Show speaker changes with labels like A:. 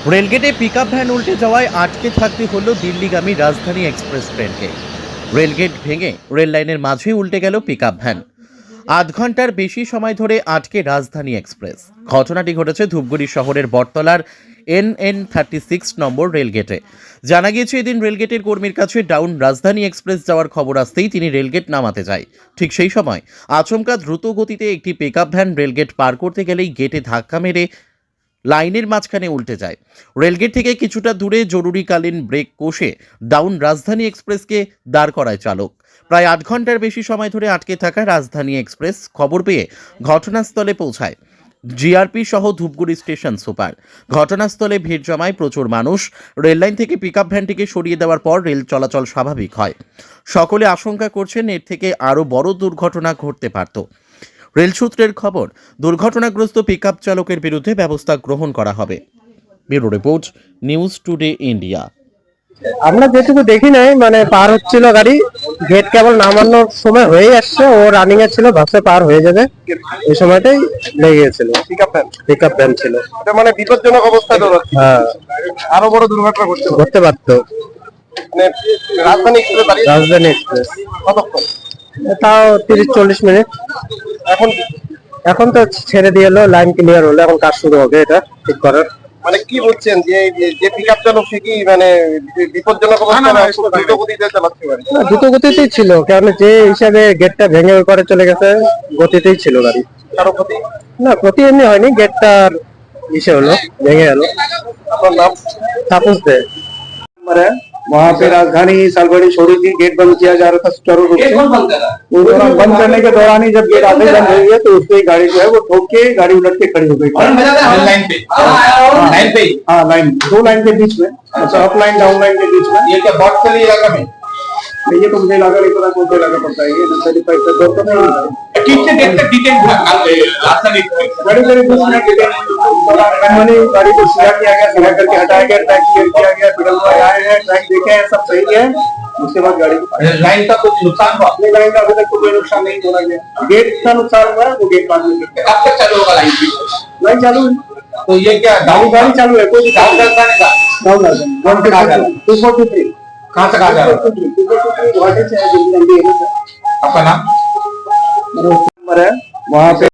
A: রেলগেটে pickup van উল্টে যাওয়ায় আটকে থাকতে হলো দিল্লিগামী রাজধানী এক্সপ্রেস ট্রেনকে। রেলগেট ভেঙে রেল লাইনের মাঝে উল্টে গেল পিকআপ ভ্যান। আধ ঘন্টার বেশি সময় ধরে আটকে রাজধানী এক্সপ্রেস। ঘটনাটি ঘটেছে ধূপগুড়ি শহরের বটতলার NN36 নম্বর রেলগেটে। জানা গিয়েছে, এদিন রেলগেটের কর্মীর কাছে ডাউন রাজধানী এক্সপ্রেস যাওয়ার খবর আসতেই তিনি রেলগেট নামাতে যায়। ঠিক সেই সময় আচমকা দ্রুত গতিতে একটি পিকআপ ভ্যান রেলগেট পার করতে গেলেই গেটে ধাক্কা মেরে লাইনের মাঝখানে উল্টে যায়। রেলগেট থেকে কিছুটা দূরে জরুরিকালীন ব্রেক কষে ডাউন রাজধানী এক্সপ্রেসকে দাঁড় করায় চালক। প্রায় 8 ঘন্টার বেশি সময় ধরে আটকে থাকা রাজধানী এক্সপ্রেস খবর পেয়ে ঘটনাস্থলে পৌঁছায় জিআরপি সহ ধূপগুড়ি স্টেশন সুপার। ঘটনাস্থলে ভিড় জমায় প্রচুর মানুষ। রেললাইন থেকে পিকআপ ভ্যানটিকে সরিয়ে দেওয়ার পর রেল চলাচল স্বাভাবিক হয়। সকলে আশঙ্কা করছেন এর থেকে আরও বড় দুর্ঘটনা ঘটতে পারত। রেল সূত্রের খবর, দুর্ঘটনাগ্রস্ত পিকআপ চালকের বিরুদ্ধে ব্যবস্থা গ্রহণ করা হবে। Bureau report, news today India.
B: আমরা যেটুকু দেখি নাই, মানে পার হচ্ছিল গাড়ি, গেট কেবল নামানোর সময় হয়ে আসছে, ও রানিং এ ছিল, ভাবছে পার হয়ে যাবে, এই সময়টাই লেগে গেছিল। পিকআপ ভ্যান ছিল,
C: এটা মানে বিপজ্জনক অবস্থায় দৌড়াচ্ছে।
B: হ্যাঁ,
C: আরো বড় দুর্ঘটনা
B: ঘটতে পারতো।
C: মানে রাজধানী এক্সপ্রেস দাঁড়িয়ে
B: রাজধানী এক্সপ্রেস
C: কতক্ষণ?
B: তাও 30-40 মিনিট।
C: এখন
B: এখন তো ছেড়ে দিয়ে এলো, লাইন ক্লিয়ার হলো, এখন কাজ শুরু হবে এটা ঠিক করার।
C: মানে কি বলছেন যে যে পিকআপ চালক সে কি মানে বিপজ্জনক অবস্থায় দ্রুত গতিতে চালাচ্ছে গাড়ি?
B: না, দ্রুত গতিতেই ছিল, কারণ যে হিসাবে গেটটা ভেঙে ওই করে চলে গেছে, গতিতেই ছিল গাড়ি।
C: কারো ক্ষতি?
B: না, ক্ষতি এমনি হয়নি, গেটটা ইসে হলো, ভেঙে গেল।
C: আপনার নাম?
B: तापस दे।
D: वहाँ पे राजधानी सालगढ़ी छोड़ी थी, गेट बंद किया जा रहा था सुचारू रूप से। उस दौरान बंद करने के दौरान ही जब गेट आधे बंद हुई है तो उससे ही गाड़ी जो है वो ठोक के गाड़ी उलट के खड़ी हो गई।
E: लाइन पे
D: हाँ, लाइन, दो लाइन के बीच में, अच्छा अप लाइन डाउन लाइन के बीच में।
E: ये क्या बॉटफली इलाका में?
D: ये तो मुझे लगा नहीं पता कौन सा इलाका पड़ता है, ये नर्सरी पाइप का दो तो नहीं है।
E: ठीक से देखते डिटेल राजधानी
D: गाड़ी मेरे 10 मिनट के मैंने गाड़ी को सीधा किया गया, सीधा करके हटाया गया, ट्रैक क्लियर किया गया, पेडल पर आए हैं, ट्रैक देखे हैं, सब सही है। उसके बाद गाड़ी को
E: लाइन का कुछ नुकसान हुआ?
D: अपने गाड़ी का अभी तक कोई नुकसान नहीं बोला गया। गेट का नुकसान हुआ है, वो गेट बाद में करते हैं।
E: कब तक चालू होगा लाइन?
D: लाइन चालू है,
E: तो ये क्या
D: गाड़ी चालू है, कोई
E: डाउन राजधानी का
D: डाउन है 243
E: कहाँ से कहाँ जा रहा है?
D: 243 गुवाहाटी से है, दिल्ली एरिया से।
E: आपका नाम?
D: नंबर है वहाँ पे।